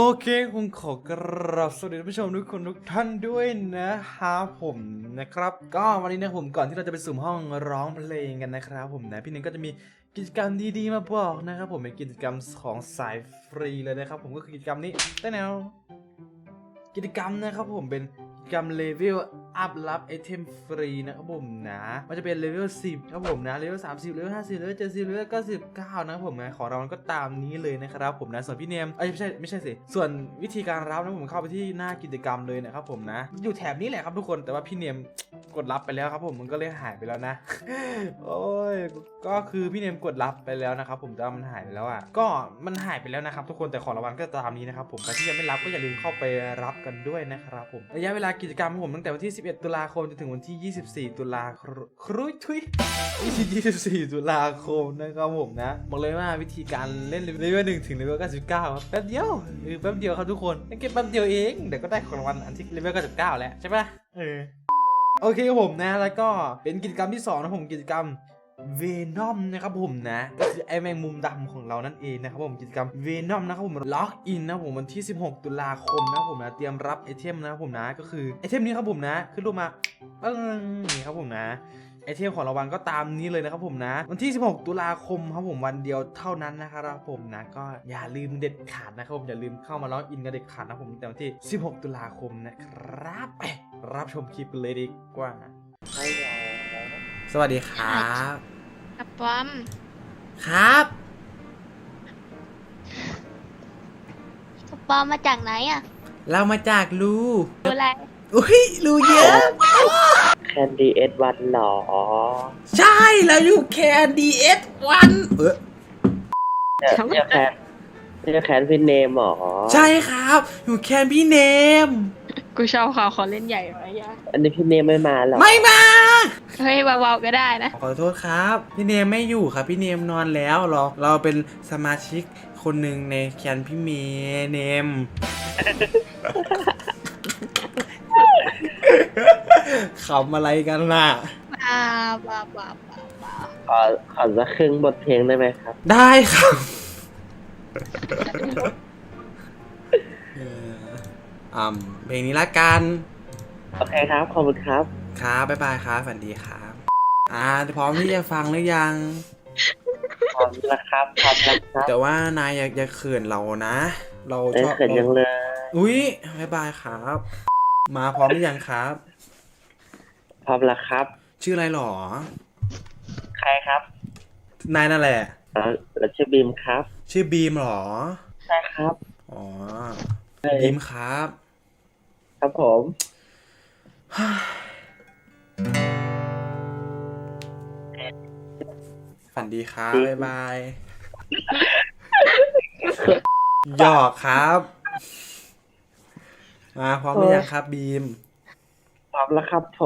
เคผมขอกราบสวัสดีท่านผู้ชมทุกคนทุกท่านด้วยนะครับผมนะครับก็วันนี้นะผมก่อนที่เราจะไปสุ่มห้องร้องเพลงกันนะครับผมนะพี่หนึ่งก็จะมีกิจกรรมดีๆมาบอกนะครับผมเป็นกิจกรรมของสายฟรีเลยนะครับผมก็คือกิจกรรมนี้ได้แนวกิจกรรมนะครับผมเป็นกิจกรรมเลเวลอัพรับไอเทมฟรีนะครับผมนะมันจะเป็นเลเวล10ครับผมนะเลเวล30เลเวล50เลเวล70เลเวล99นะครับผมนะของเราก็ตามนี้เลยนะครับผมนะส่วนพี่เนมไม่ใช่สิส่วนวิธีการรับนะผมเข้าไปที่หน้ากิจกรรมเลยนะครับผมนะอยู่แถบนี้แหละครับทุกคนแต่ว่าพี่เนมกดรับไปแล้วครับผมมันก็เลยหายไปแล้วนะ โอ้ยก็คือพี่เนมกดรับไปแล้วนะครับผมแต่มันหายไปแล้วอ่ะก็มันหายไปแล้วนะครับทุกคนแต่ของรางวัลก็ตามนี้นะครับผมใครที่ยังไม่รับก็อย่าลืมเข้าไปรับกันด้วยนะครับผมระยะเวลากิจกรรมของผมตั้งแต่วันที่11ตุลาคมจนถึงวันที่24ตุลาครุยทุย24ตุลาคมนะครับผมนะบอกเลยว่าวิธีการเล่นเลเวล1ถึงเลเวล99ครับแป๊บเดียวแป๊บเดียวครับทุกคนเก็บแป๊บเดียวเองเดี๋ยวก็ได้ของรางวัลอันที่เลเวล99แล้วใช่ปะโอเคครับผมนะแล้วก็เป็นกิจกรรมที่2นะผมกิจกรรมเวนอมนะครับผมนะก็คือไอแมงมุมดำของเรานั่นเองนะครับผมกิจกรรมเวนอมนะครับผมล็อกอินนะผมวันที่16ตุลาคมนะครับผมนะเตรียมรับไอเทมนะครับผมนะก็คือไอเทมนี้ครับผมนะขึ้นรูปมานี่ครับผมนะไอเทมของรางวัลก็ตามนี้เลยนะครับผมนะวันที่16ตุลาคมครับผมวันเดียวเท่านั้นนะครับผมนะก็อย่าลืมเด็ดขาดนะครับผมอย่าลืมเข้ามาล็อกอินกันเด็ดขาดนะผมแต่วันที่16ตุลาคมนะครับรับชมคลิปเลยดีกว่าสวัสดีครับกับป้อมครับกับป้อมมาจากไหนอ่ะเรามาจากรูดูอะไรอุ้ยรูเยอะแคนดี้เอสวันหรอใช่เราอยู่แคนดีเอสวันเนี่ยแคนพี่เนมหรอใช่ครับอยู่แคนพี่เนมกูชอบเขาเขาเล่นใหญ่ไหมยะอันนี้พี่เนมไม่มาหรอไม่มาเฮ้ยเบาๆก็ได้นะขอโทษครับพี่เนมไม่อยู่ครับพี่เนมนอนแล้วเราเป็นสมาชิกคนหนึ่งในแคนพี่เนม ขำอะไรกันล่ะบ้าขอสักครึ่งบทเพลงได้ไหมครับได้ครับเพลงนี้ละกันโอเคครับ ขอบคุณครับครับบ๊ายบายครับฝันดีครับพร้อมที่จะฟังหรือยังพร้อมแล้วครับพร้อมแล้วครับแต่ว่านายอย่าเขินเรานะ เราไม่ชอบเขินยังเลยอุ๊ยบ๊ายบายครับ มาพร้อมหรือยังครับพร้อมแล้วครับชื่ออะไรหรอใครครับนายนั่นแหละเราชื่อบีมครับชื่อบีมหรอใช่ครับอ๋อบีมครับครับผมฝันดีครับบ๊ายบายหยอกครับ มาพร้อมหรือยังครับบีมพร้อมแล้วครับผม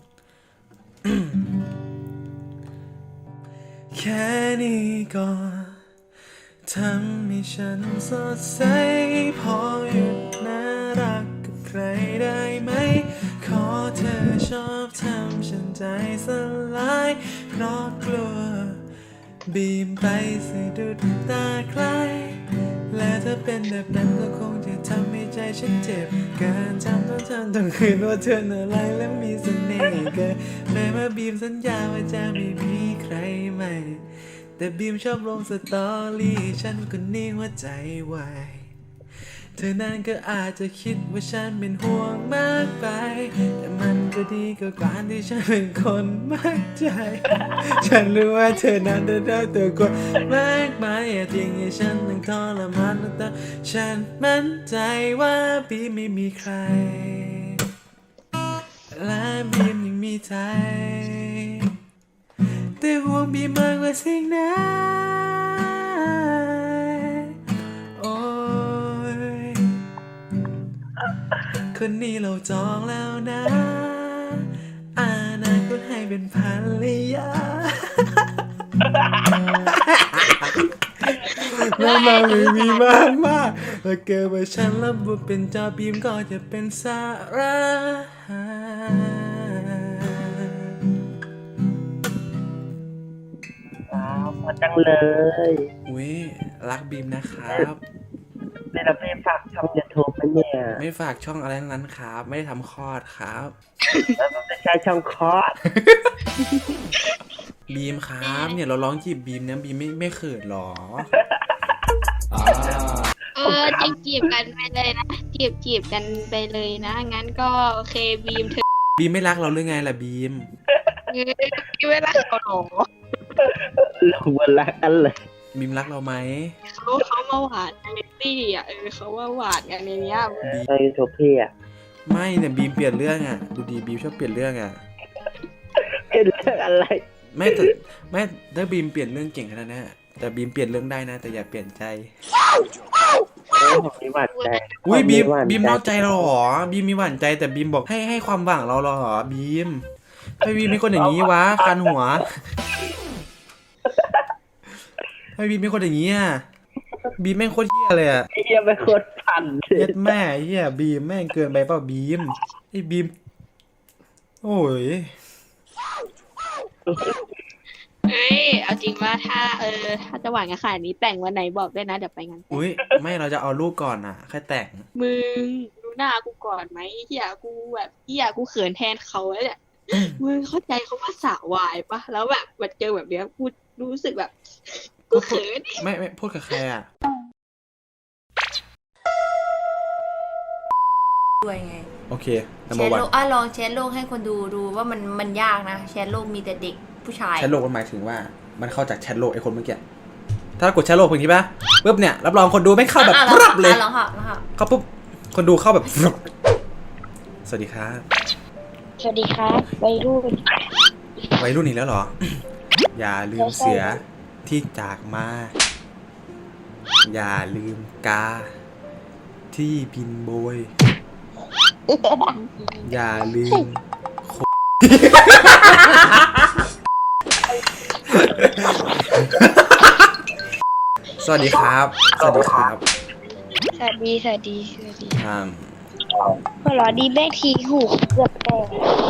แค่นี้ก็ทำให้ฉันสดใสพอหยุดน่ารักกับใครได้ไหมขอเธอชอบทำฉันใจสลายเพราะกลัวบีมไปสะดุดตาใครและถ้าเป็นแบบนั้นก็คงจะทำให้ใจฉันเจ็บเกินจำต้องคืนว่าเธอน่ารักและมีเสน่ห์เกินแม้ว่าบีมสัญญาว่าจะไม่มีใครใหม่แต่บีมชอบลงสตอรี่ฉันก็นิ่งหัวใจวายเธอนั้นก็อาจจะคิดว่าฉันเป็นห่วงมากไปแต่มันก็ดีกว่าการที่ฉันเป็นคนมากใจ ฉันรู้ว่าเธอนั้นได้ตัวคนมากมายอย่าทิ้งให้ฉันต้องทรมานแต่ฉันมั่นใจว่าบีมไม่มีใครและบีมยังมีใจแต่ห่วงบีมมากกว่าสิ่งไหนโอ้ยคนนี้เราจองแล้วนะอนาคตให้เป็นภรรยาแล้วเราไม่มีมากถ้าเกิดว่าฉันรับบทเป็นจอบีมก็จะเป็นสาระพอจังเลยอุ้ยรักบีมนะครับเป็นรับพี่ฝากช่องยูทูบไหมเนี่ยไม่ฝากช่องอะไรทั้งนั้นครับ ไม่ได้ทำคลอดครับแล้วมันไม่ใช่ช่องคอร์สบีมครับเนี่ยเราร้องจีบบีมเนี่ยบีมไม่เขินหรอจีบกันไปเลยนะจีบกันไปเลยนะงั้นก็โอเคบีมเธอบีมไม่รักเราหรือไงล่ะบีมเวลาเขาหลงลงมารักกันเลยบีมรักเราไหมเขามาหวานกันในตี้อ่ะเขามาหวานกันในเนี้ยบีมช่องยูทูบพี่อ่ะไม่เนี่ยบีมเปลี่ยนเรื่องอ่ะดูดีบีมชอบเปลี่ยนเรื่องอ่ะเป็นเรื่องอะไรไม่แต่ไม่ถ้าบีมเปลี่ยนเรื่องเก่งขนาดนั้นอะแต่บีมเปลี่ยนเรื่องได้นะ แต่อย่าเปลี่ยนใจผมมีหวานใจอุ้ยบีมผหวาบีมนอกใจเราเหรอบีมมีหวานใจแต่บีมบอกให้ความหวังเราเหรอบีมให้บีมเป็นคนอย่างนี้วะคันหัวให้บีมเป็นคนอย่างนี้อ่ะบีมแม่งโคตรเหี้ยเลยอ่ะไอ้เหี้ยเป็นคนปั่นเย็ดแม่เหี้ยบีมแม่งเกินไปเปล่าบีมไอ้บีมโอ้ยเอาจริงว่าถ้าจะหวานกันขนาดนี้แต่งวันไหนบอกด้วยนะเดี๋ยวไปงานอุ้ยไม่เราจะเอาลูกก่อนอ่ะแค่แต่งมึงดูหน้ากูก่อนไหมเฮียกูแบบเฮียกูเขินแทนเขาแล้วเนี่ยมึงเข้าใจเขาว่าสาววายปะแล้วแบบมาเจอแบบเนี้ยกูรู้สึกแบบกูเขินไม่พูดกับใครอ่ะด้วยไงโอเคแช number ร์ one โลกลองแชร์โลกให้คนดูว่ามันยากนะแชร์โลกมีแต่เด็กผู้ชายแชทโลกมันหมายถึงว่ามันเข้าจากแชทโลกไอ้คนเมื่อกี้ถ้ากดแชทโลกเพิ่งนี้ป่ะปุ๊บเนี่ยรับรองคนดูไม่เข้าแบบอ่ะปรับเลยลองค่ะลองค่ะเข้าปุ๊บคนดูเข้าแบบปรับสวัสดีครับสวัสดีครับวัยรุ่นวัยรุ่นอีกแล้วเหรอ อย่าลืมเสือที่จากมา อย่าลืมกา ที่บินโบย อย่าลืม สวัสดีครับ สวัสดีครับสวัสดีอ่าหัวเราะดีแม่ทีหูเกือบแตก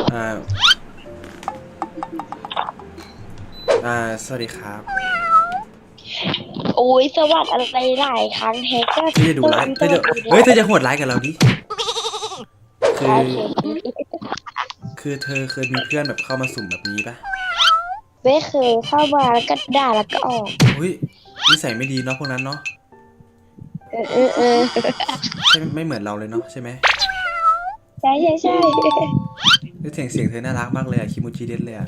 สวัสดีครับโอ้ยสวัสดีอะไรหลายครั้งแฮกก็เธอจะดูไลฟ์เธอจะเธอจะโหดไลฟ์กับเราดิคือเธอเคยมีเพื่อนแบบเข้ามาสุ่มแบบนี้ปะไม่เคยเข้ามาแล้วก็ด่าแล้วก็ออกอุ้ยนิสัยไม่ดีเนาะพวกนั้นเนาะ ใช่ไม่เหมือนเราเลยเนาะใช่ไหมใช่เสียงเธอน่ารักมากเลยอะคิมูจิเด็ดเลยอะ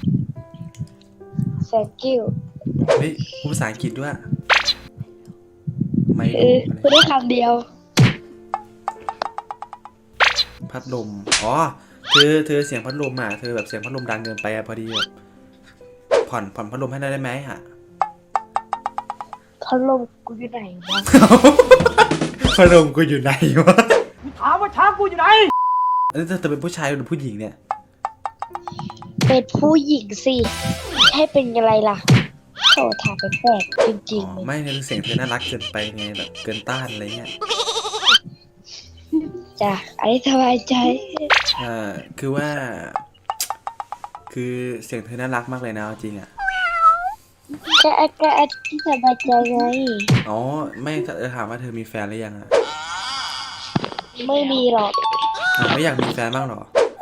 thank you เฮ้ยพูดภาษาอังกฤษด้วยไม่พูดได้คำเดียวพัดลมอ๋อเธอเสียงพัดลมอ่ะเธอแบบเสียงพัดลมดังเกินไปอะพอดีแบบผ่อนพัดลมให้ได้ไหมฮะพัดลมกูอยู่ไหนวะพัดลมกูอยู่ไหนวะถามว่าช้างกูอยู่ไหนเธอเป็นผู้ชายหรือผู้หญิงเนี่ยเป็นผู้หญิงสิให้เป็นอะไรล่ะโถถามไปแปลกจริงอ๋อๆเลยไม่เนี่ยเสียงเธอน่ารักเกินไปไงแบบเกินต้านอะไรเงี้ยจ้ะอันนี้สบายใจคือว่า คือเสียงเธอน่ารักมากเลยนะเอาจริงอ่ะก็อันที่สบายใจไงอ๋อไม่ถามว่าเธอมีแฟนหรือยังอ่ะไม่มีหรอกไม่อยากมีแฟนบ้างหรอ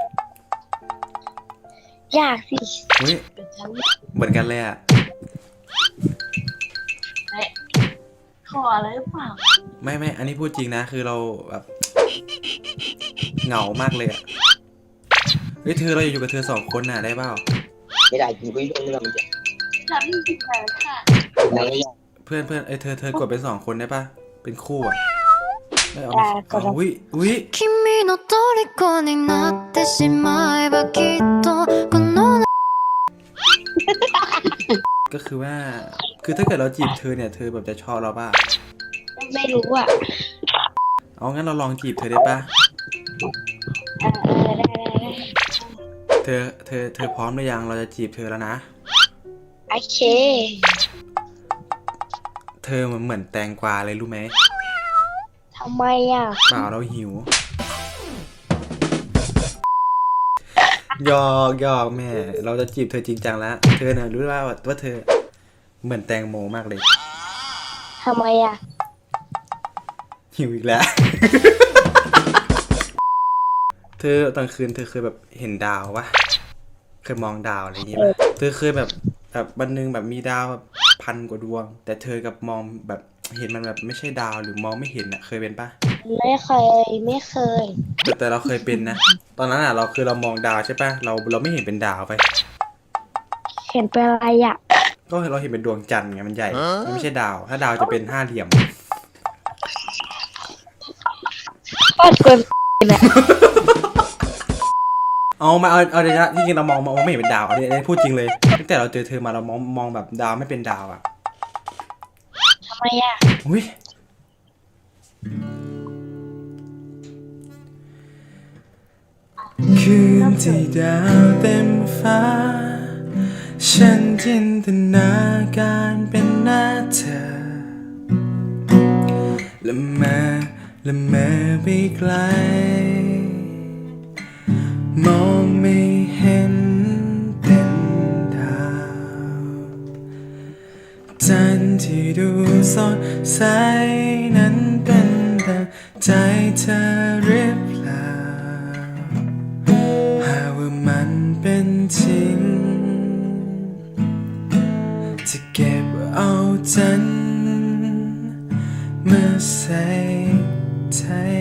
อยากสิเฮ้ยเหมือนกันเลยอ่ะขออะไรหรือเปล่าไม่อันนี้พูดจริงนะคือเราแบบเหงามากเลยอ่ะเฮ้ยเธอเราอยู่กับเธอสองคนน่ะได้เปล่าไม่ได้กูไม่รู้เรื่องมันจะฉันมีแฟนค่ะเพื่อนเธอกดเป็นสองคนได้ป่ะเป็นคู่อ่ะไม่เอาได้ก็เอาได้อุ้ย君の虜になってしまえばきっとこのก็คือว่าคือถ้าเกิดเราจีบเธอเนี่ยเธอแบบจะชอบเราป่ะไม่รู้อ่ะเอางั้นเราลองจีบเธอได้ป่ะได้เธอพร้อมหรือยังเราจะจีบเธอแล้วนะโอเคเธอเหมือนแตงกวาเลยรู้ไหมทำไมอ่ะเปล่าเราหิวหยอกแม่เราจะจีบเธอจริงจังแล้วเธอเนี่ยรู้ว่าเธอเหมือนแตงโมมากเลยทำไมอ่ะหิหิวอีกแล้ว เธอตอนคืนเธอเคยแบบเห็นดาวปะเคยมองดาวอะไรอย่างงี้ปะเธอเคยแบบวันหนึงแบบมีดาวแบบ1,000 กว่าดวง แต่เธอกับมองแบบเห็นมันแบบไม่ใช่ดาวหรือมองไม่เห็นอะเคยเป็นปะไม่เคยแต่เราเคยเป็นนะ ตอนนั้นอะเรามองดาวใช่ปะเราไม่เห็นเป็นดาวไปเห็นเป็นอะไรอ่ะก็เราเห็นเป็นดวงจันทร์ไงมันใหญ่ มันไม่ใช่ดาว ถ้าดาวจะเป็น5 เหลี่ยมก็เกินเอาเลยนะที่จริงเรามองไม่เห็นเป็นดาวอันนี้พูดจริงเลยตั้งแต่เราเจอเธอมาเรามองแบบดาวไม่เป็นดาวอะทำไมอ่ะอุ้ยคืนที่ดาวเต็มฟ้า ฉันจินตนาการเป็นหน้าเธอละเมอไปไกล มองไม่เห็นเป็นดาวจันทร์ที่ดูสดใสนั้นเป็นดังใจเธอหรือเปล่าหากว่ามันเป็นจริงจะเก็บเอาจันทร์มาใส่ใจ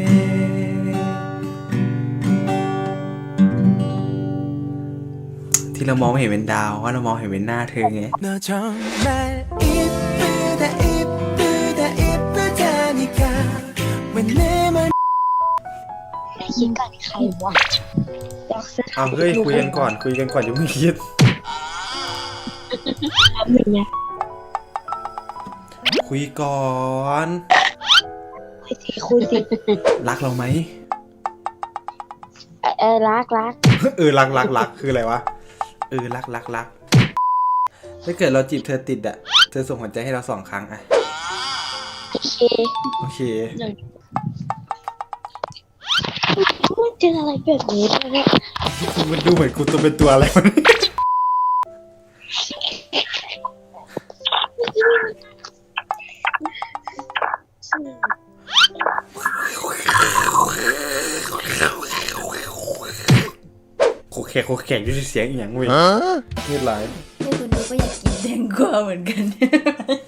ที่เรามองไม่เห็นเป็นดาวว่าเรามองเห็นเป็นหน้าเธอไง 너 정말 이쁘다 이쁘다 이쁘다니까 왜 내 말 ไม่คิดก่อนใครวะอยากซื้อเอาเฮ้ยคุยกันก่อนอย่าเพิ่งคิดทำอย่างเงี้ยคุยก่อนคุยสิรักเราไหมรักรักคืออะไรวะรักถ้าเกิดเราจีบเธอติดอะเธอส่งหัวใจให้เรา2 ครั้งอะโอเคโอเคมันเจออะไรแบบนี้ด้วยเนี่ยมันดูเหมือนกูตัวเป็นตัวอะไรวะเนี่ยโคแขกด้วยเสียงอีหยังเว้ยเงียบไรให้คนดูก็อยากกินแตงกวาเหมือนกัน